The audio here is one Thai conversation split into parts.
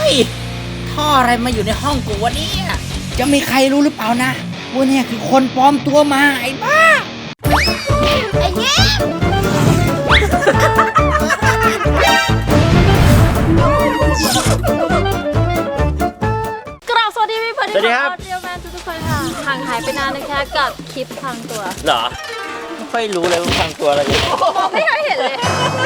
ฮ้ยท่ออะไรมาอยู่ในห้องกูวะเนี่ยจะมีใครรู้หรือเปล่านะว่าเนี่ยคือคนปลอมตัวมาไอ้บ้าไอ้เงี้ยกราบสวัสดีพี่เพื่อนที่รักเรียวแมนทุกคนค่ะห่างหายไปนานนะคะกับคลิปพังตัวเหรอไม่ค่อยรู้เลยว่าพังตัวอะไรอยู่มองไม่เคยเห็นเลย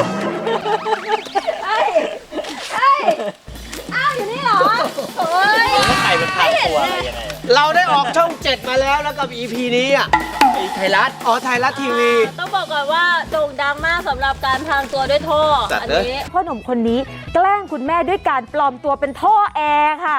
อ้าวอยู่นี่เหรอโอ้ยใครเป็นพังตัวอะไรยังไงเราได้ออกช่อง 7มาแล้วกับ EP นี้อ่ะไทยรัฐไทยรัฐทีวีต้องบอกก่อนว่าโด่งดังมากสำหรับการพังตัวด้วยท่ออันนี้พ่อหนุ่มคนนี้แกล้งคุณแม่ด้วยการปลอมตัวเป็นท่อแอร์ค่ะ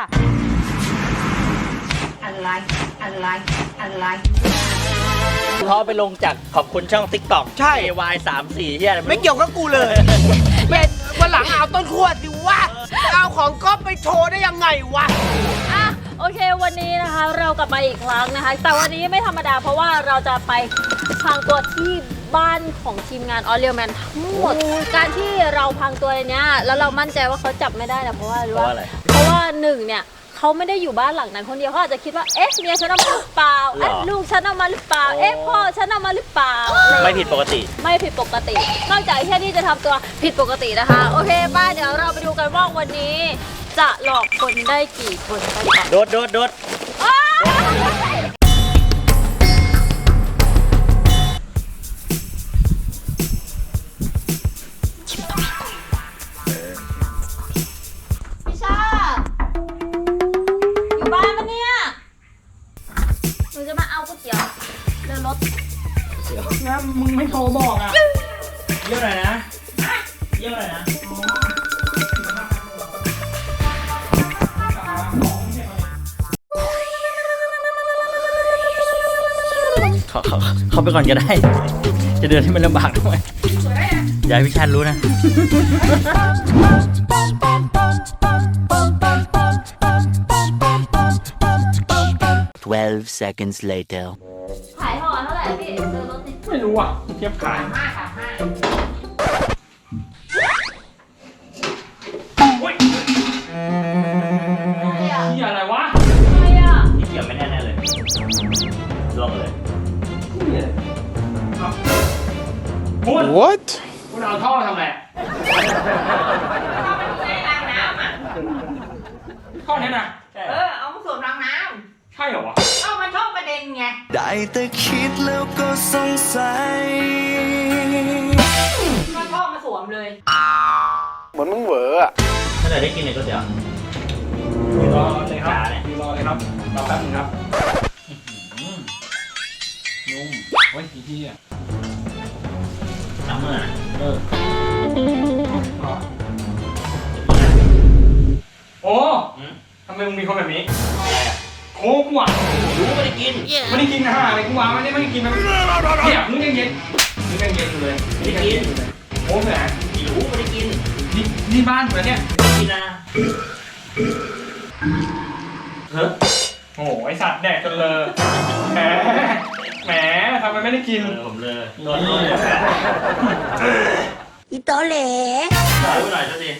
อะไรเขาไปลงจากขอบคุณช่อง TikTok ใช่ Y34 ที่อะไรไม่เกี่ยวกับกูเลยวันหลังเอาต้นขั้วสิวะเอาของก๊อฟไปโชว์ได้ยังไงวะโอเควันนี้นะคะเรากลับมาอีกครั้งนะคะแต่วันนี้ไม่ธรรมดาเพราะว่าเราจะไปพังตัวที่บ้านของทีมงานออเรียลแมนทั้งหมดการที่เราพังตัวเนี้ยแล้วเรามั่นใจว่าเขาจับไม่ได้นะเพราะว่าอะไรเพราะว่าหนึ่งเนี่ยเขาไม่ได้อยู่บ้านหลังนั้นคนเดียวเขาอาจจะคิดว่าเอ๊ะเมียฉันเอามาหรือเปล่าเอ๊ะลูกฉันเอามาหรือเปล่าเอ๊ะพ่อฉันเอามาหรือเปล่าไม่ผิดปกติไม่ผิดปกตินอกจากแค่ที่จะทำตัวผิดปกตินะคะโอเคป้าเดี๋ยวเราไปดูกันว่าวันนี้จะหลอกคนได้กี่คนกันก่อนโดดพี่ชาอยู่บ้านปะเนี่ยหนูจะมาเอาก๋วยเตี๋ยวเดินรถนะมึงไม่โทรบอกอ่ะเยี่ยมหน่อยนะเยี่ยมหน่อยนะเขาไปก่อนก็ได้ จะเดินให้มันลำบากทำไมอย่าให้พี่ชาติรู้นะ12 seconds later ขายห่อเท่าไหร่พี่เดินรถนี่ไม่รู้อ่ะเทียบขายที่อะไรวะอะไรอ่ะที่เกี่ยวไม่แน่ๆเลยลงเลย What คุณเอาท่อทำไงท่อนี้นะเอามาสวมรางน้ำใช่เหรอวะเอามาช่องประเด็นไงได้แต่คิดแล้วก็สงสัยก็ท่อมาสวมเลยเหมือนมึงเหวออะถ้าไหนได้กินเนี่ยก็เดี๋ยวรอเลยครับรอเลยครับรอแป๊บนึงครับนุ่มโอ้ยพี่อ่ะน้ำมันโอ้ทำไมมึงมีคนแบบนี้โค้กว่ะรู้ไม่ได้กินนะฮะอะไรกูวางไม่ได้กินมันเนี่ยมึงยังเย็นอยู่เลยไม่ได้กินโค้กไหนรู้ไม่ได้กินนี่บ้านเหมือนเนี่ยกินนะเฮ้ยโอ้ไอสัตว์แดกจนเลยแหมทำไมไม่ได้กินผมเลยโดนอีโตเหล่หน่อยเท่านี้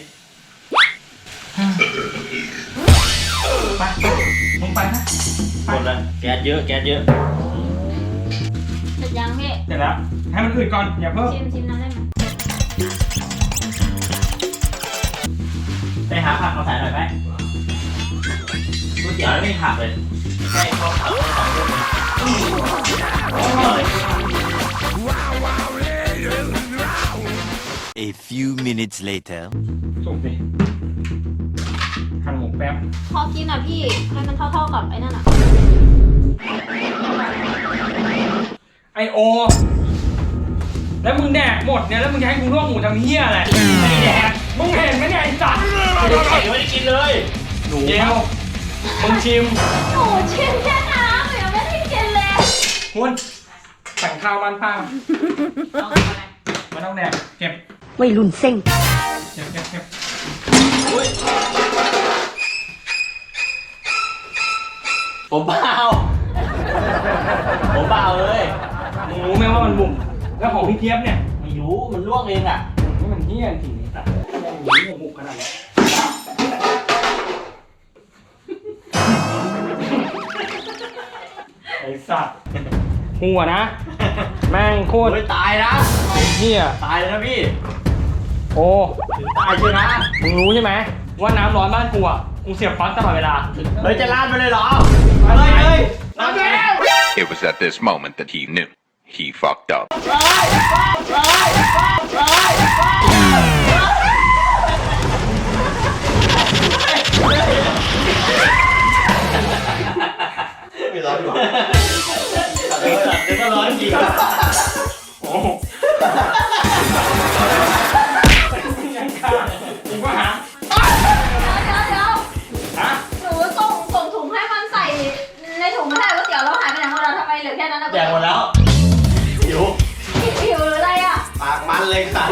ไปมึงไปนะหมดแล้วแก๊สเยอะเสร็จยังพี่เสร็จแล้วให้มันอืดก่อนอย่าเพิ่มชิมน้ำได้ไหมไปหาผักมาใส่หน่อยไหมก๋วยเตี๋ยวไม่มีผักเลยแค่ข้าวผัดสองลูกA few minutes later สุกดิหั่นหมูแป๊บพอกินอ่ะพี่ให้มันเท่าๆกับไอ้นั่นอ่ะไอโอแล้วมึงแดกหมดเนี่ยแล้วมึงจะให้กูลวกหมูทำเหี้ยอะไรไม่แดกมึงเห็นไหมเนี่ยไอ้สัตว์ไม่ได้กินเลยเจลมึงชิมโอ้ชิมแค่น้ำยังไม่ได้กินเลยคุณสั่งข้าวมันป้าไม่ต้องแดกเก็บวัยรุ่นเซ็งเก็บผมเปล่าเลยมึงรู้ไหมว่ามันบุ่มแล้วของพี่เทียบเนี่ยไม่รู้มันลวกเองอ่ะมันเหี้ยจริงๆแต่หมูขนาดนี้สัตว์หัวนะ แม่งโคตรตายนะเหี้ยตายเลยนะพี่โอ้ตายเชียวนะมึงรู้ใช่ไหมว่าน้ำร้อนบ้านกูอ่ะกูเสียบปลั๊กตลอดเวลาเฮ้ยจะลาดไปเลยเหรอมาเลยลาดไปแล้ว It was at this moment that he knew he fucked up. ไม่ร้อนหรอเดี๋ยวก็ร้อนจริงโอ้กูก็หาเดี๋ยวฮะหนูส่งถุงให้มันใส่ในถุงไม่ได้ก๋วยเตี๋ยวแล้วหายไปไหนหมดแล้วทำไมเหลือแค่นั้นนะแดงหมดแล้วหิวหิวหรืออะไรอ่ะปากมันเลยค่ะ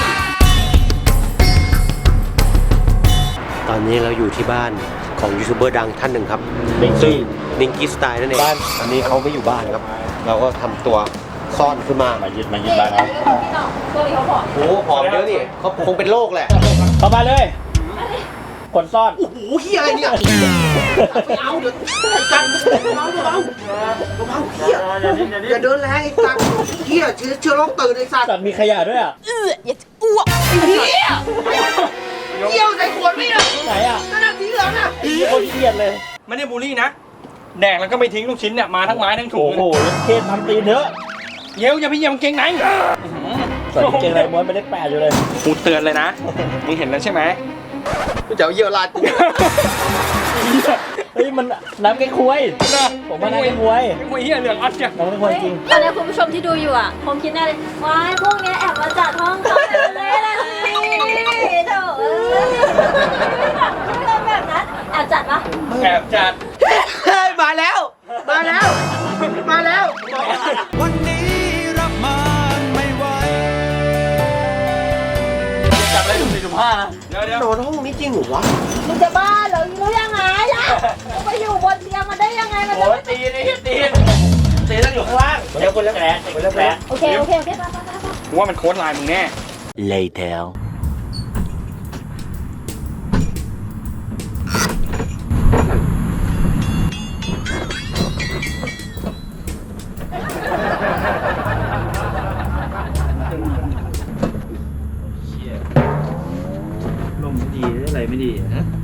ตอนนี้เราอยู่ที่บ้านของยูทูบเบอร์ดังท่านหนึ่งครับซึ่งนิงกี้สไตล์นั่นเองบ้านอันนี้เขาไม่อยู่บ้านครับ เราก็ทำตัวซ่อนขึ้นมายึดบ้านเขาพี่น้องตัวนี้เขาบอกโอ้ผอมเยอะนี่เขาคงเป็นโรคแหละเข้ามาเลยคนซ่อนโอ้โหเฮียอะไรเนี่ยไม่เอาเดี๋ยวกันเบาเฮียอย่าเดินแรงไอ้สัตว์เฮียเชื้อโรคตื่นไอ้สัตว์สัตว์มีขยะด้วยอ่ะอย่าอ้วกไอ้เฮียเยี่ยวใส่ขวดไม่ได้ไหนอ่ะนั่นน่ะสีเหลืองน่ะคนเครียดเลยไม่ได้บูลลี่นะ แดกแล้วก็ไม่ทิ้งลูกชิ้นเนี่ยมาทั้งไม้ทั้งถุโอ้งโหเคสทำตีนเถอะเย้วอย่าพี่เยี่ยมเก่งไหนใส่กางเกงอะไรม้วนไปได้8อยู่เลยกูเตือนเลยนะมึงเห็นแล้วใช่ไหมกูจะเอาเยี่ยวราดกูเฮ้ยมันน้ำแกงควยนะผมว่าน้ำแกงควยไอ้คุยเหี้ยเหลืองอัดจ้ะน้ำแกงควยจริงตอนนี้คุณผู้ชมที่ดูอยู่อ่ะคงคิดแน่เลยว้ายพวกเนี้ยแอบมาจัดห้องเขาเลยนะสิโถไม่ทำแบบนั้นแอบจัดปะแอบจัดเฮ้ยมาแล้วมาแล้วมาแล้ววันนี้รับมันไม่ไหวจับอะไรสุ่ม4สุ่ม5นะเดี๋ยวนอนห้องนี้จริงเหรอวะมึงจะบ้าเหรอรู้ยังไงล่ะมึงไปอยู่บนเตียงมันได้ยังไงมันจะโอ้ไม่ยตีนี่ตีต้องอยู่ข้างล่างเดี๋ยวคนละแผลคนละแผลโอเคไปไปกูว่ามันโค้ดไลน์มึงแน่ later ลมไม่ดีอะไรไม่ดีฮะ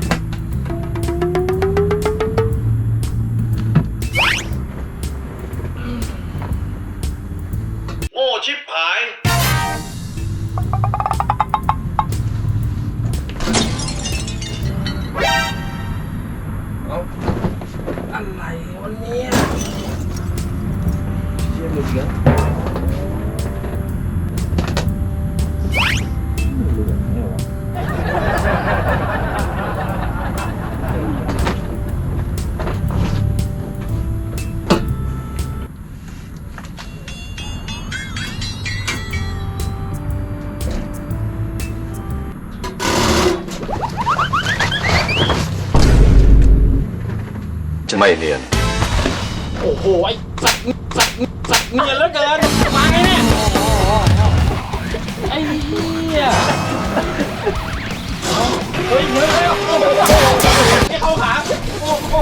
โง่ชิบหายอะไรวันนี้เชี่ยมึงเยอะไม่เนียนโอ้โหไอ้สัตว์เนียนเหลือเกินมาไงเนี่ยไอ้เหี้ยเฮ้ยมึงเลยโอ้โหไม่เข้าขาโอ้โห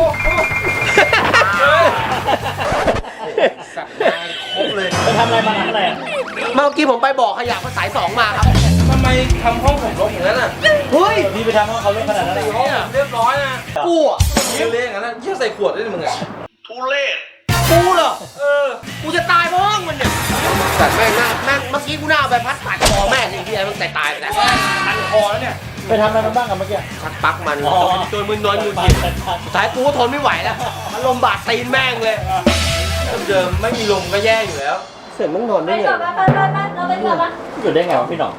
สัตว์มาครบเลยไปทำอะไรมาทำอะไรอ่ะเมื่อกี้ผมไปบอกขยะภาษา2มาครับทำไมทำห้องผมรกอย่างนั้นอ่ะเฮ้ยพี่ไปทำให้เขาเล่นขนาดนั้นเลยห้องผมเรียบร้อยนะกูอ่ะเละอย่างนั้นนะเยี่ยใส่ขวดด้วยมึงอ่ะทุเรศกูเหรอกูจะตายเพราะห้องมันเนี่ยแต่แม่งหน้าแม่งเมื่อกี้กูหน้าเอาใบพัดตัดคอแม่งไอ้เหี้ยมันตายไปแล้วพันคอแล้วเนี่ยไปทำอะไรมาบ้างกับเมื่อกี้ชักปลั๊กมันอ๋อจนมึนนอนอยู่กินสุดท้ายกูก็ทนไม่ไหวแล้วอารมณ์บาดตีนแม่งเลยเดิมไม่มีลมก็แย่อยู่แล้วเสร็จมึงนอนไปได้ไงก่อนไปเราไปก่อนปะอยู่ได้ไงวะพี่หน่อง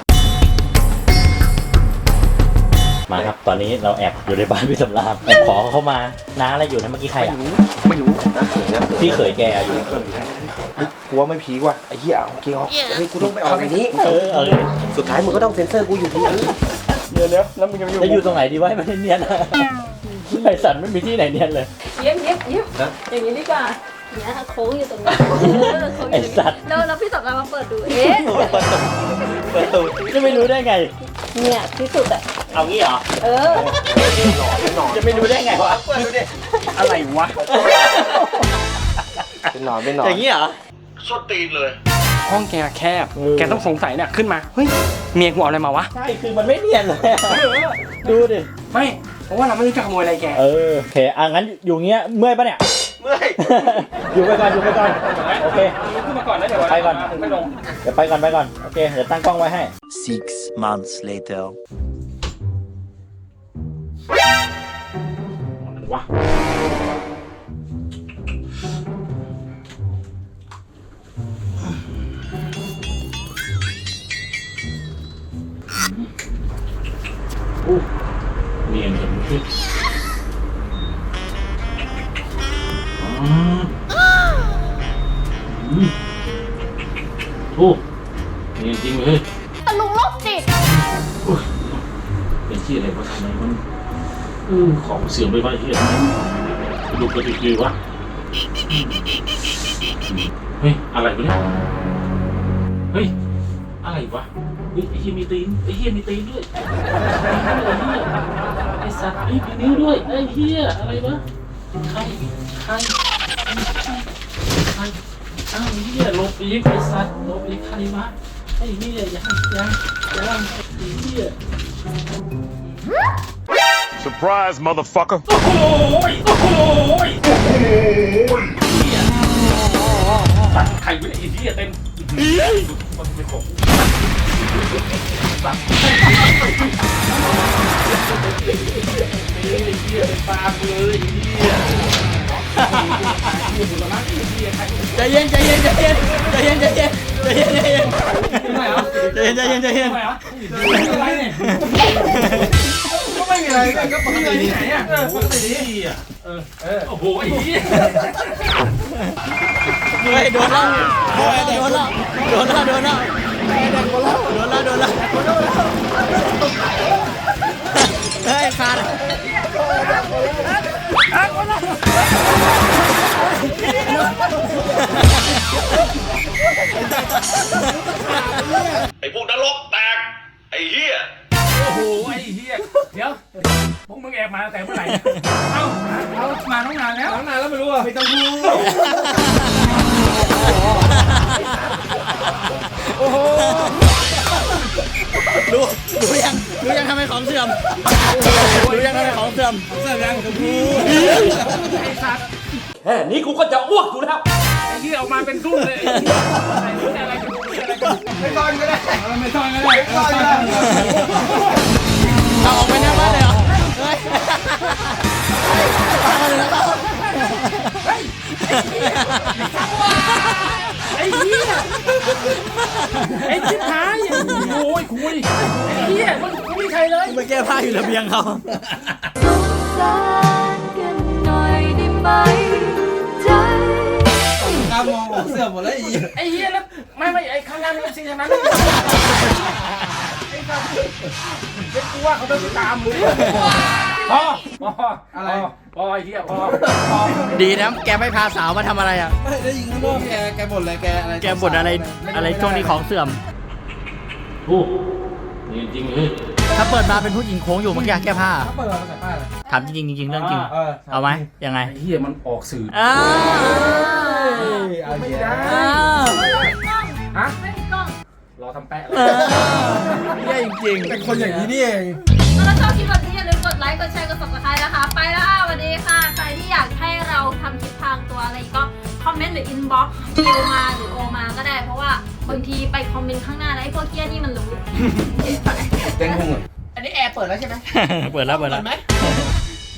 มาครับตอนนี้เราแอบอยู่ในบ้านพี่สำราญแอบขอเขาเข้ามาน้าอะไรอยู่นะเมื่อกี้ใครอ่ะไม่รู้นะเสือนะพี่เขยแกอยู่กูว่าไม่พีกว่ะไอ้เหี้ยเอาเกี่ยวเฮ้ยกูต้องไปออกในนี้เออสุดท้ายมึงก็ต้องเซ็นเซอร์กูอยู่ที่นี่เดี๋ยวแล้วมึงจะจะอยู่ตรงไหนดีวะให้มันเนียนนะไอสันไม่มีที่ไหนเนียนเลยเย็บอย่างนี้ดีกว่าเนี่ยโค้งอยู่ตรงนี้โค้งอไอยู่ตรงสัตว์นี้แล้วพี่สำราญมาเปิดดูเอ๊ะเปิดตูดจะไม่รู้ได้ไงเนี่ยที่สุดอ่ะเอางี้เหรอเออจะไม่รู้ได้ไงวะอะไรวะนอนไม่นอนอย่างนี้เหรอส้นตีนเลยห้องแกแคบ แกต้องสงสัยเนี่ยขึ้นมา เฮ้ย เมียกูเอาอะไรมาวะใช่คือมันไม่เนียนเลยอะดูดิไม่ เพราะว่าเราไม่รู้จะขโมยอะไรแกโอเคงั้นอยู่เงี้ยเมื่อยปะเนี่ยเมื่อยอยู่ไปก่อนโอเคขึ้นมาก่อนนะเดี๋ยวไปก่อนไม่ลงเดี๋ยวไปก่อนโอเคเดี๋ยวตั้งกล้องไว้ให้ 6 months later. ว้าเนียนจังเลยโอ้เนียนจริงเลยตะลุงโรคจิตเป็นที่อะไรวะทำไมมันของเสื่อมไปบ้างที่อะไรดูกระดิกดีวะเฮ้ยอะไรวะเนี่ยเฮ้ยอะไรวะเฮ้ยไอ้เหี้ยมีตีนด้วยไอ้สัตว์มีนิ้วด้วยไอ้เหี้ยอะไรวะใครอ้าวเหี้ยลบอีกไอ้สัตว์ลบอีกใครวะไอ้เหี้ยยังไอ้เหี้ย Surprise motherfucker โอ้โหตัดไข่ไว้ไอ้เหี้ยเต็มมันเป็นของตัดไอ้เหี้ยเป็นปลาเลยใจเย็นก็ไม่มีอะไรก็ปกติที่ไหนอ่ะปกติดีโอ้โหไอ้เหี้ยเฮ้ยโดนแล้วเฮ้ยขาดไอ้พวกนรกแตก ไอ้เหี้ยโอ้โหไอ้เหี้ยเดี๋ยวพวกมึงแอบมาแต่เมื่อไหร่เอามาตั้งนานแล้วไม่รู้อ่ะไม่ต้องพูดโอ้โหรู้ยังทำไมของเสื่อมแค่นี้กูก็จะอ้วกอยู่แล้วไอ้เหี้ยออกมาเป็นทุ่นเลยอะไรไม่ตอนก็ได้ไม่ตอนก็ได้เอาออกไปหน้าบ้านเลยเหรอไอ้เหี้ยไอ้ชิบหายโอ้ยคุยไอ้เหี้ยมันไม่มีใครเลยไปแก้ผ้าอยู่ระเบียงเขาตามองเสื้อหมดแล้วไอ้เหี้ยแล้วไม่ไอ้ข้างล่างนี่เป็นสิ่งนั้นไอ้สัสเด็กกูว่าเขาต้องตามมึงพออะไรพอไอ้เหี้ยพอดีนะแกไม่พาสาวมาทำอะไรอ่ะไม่ได้ยิงข้างนอกแกบ่นอะไรแกอะไรแกบ่นอะไรช่วงนี้ของเสื่อมโอ้นี่จริงเลย ถ้าเปิดมาเป็นผู้หญิงโค้งอยู่เมื่อกี้แก้ผ้าเขาเปิดมาใส่ป้ายเลยถามจริงเรื่องจริง เอาไหมยังไงไอ้เหี้ยมันออกสื่ออ้าวเอาเยอะอ้าวฮะไม่มีกล้องรอทำแปะเยี่ยจริงเป็นคนอย่างนี้นี่เองถ้าชอบคลิปแบบนี้อย่าลืมกดไลค์ กดแชร์ กด subscribe นะคะ ไปแล้วค่ะสวัสดีค่ะ ใครที่อยากให้เราทำคลิปทางตัวอะไรก็คอมเมนต์หรือ inbox คิวมาหรือโอมาก็ได้ เพราะว่าบางทีไปคอมเมนต์ข้างหน้าแล้วไอ้พวกเกี้ยนี่มันรู้เต้นพุงอ่ะอันนี้แอร์เปิดแล้วใช่ไหมเปิดแล้วไหม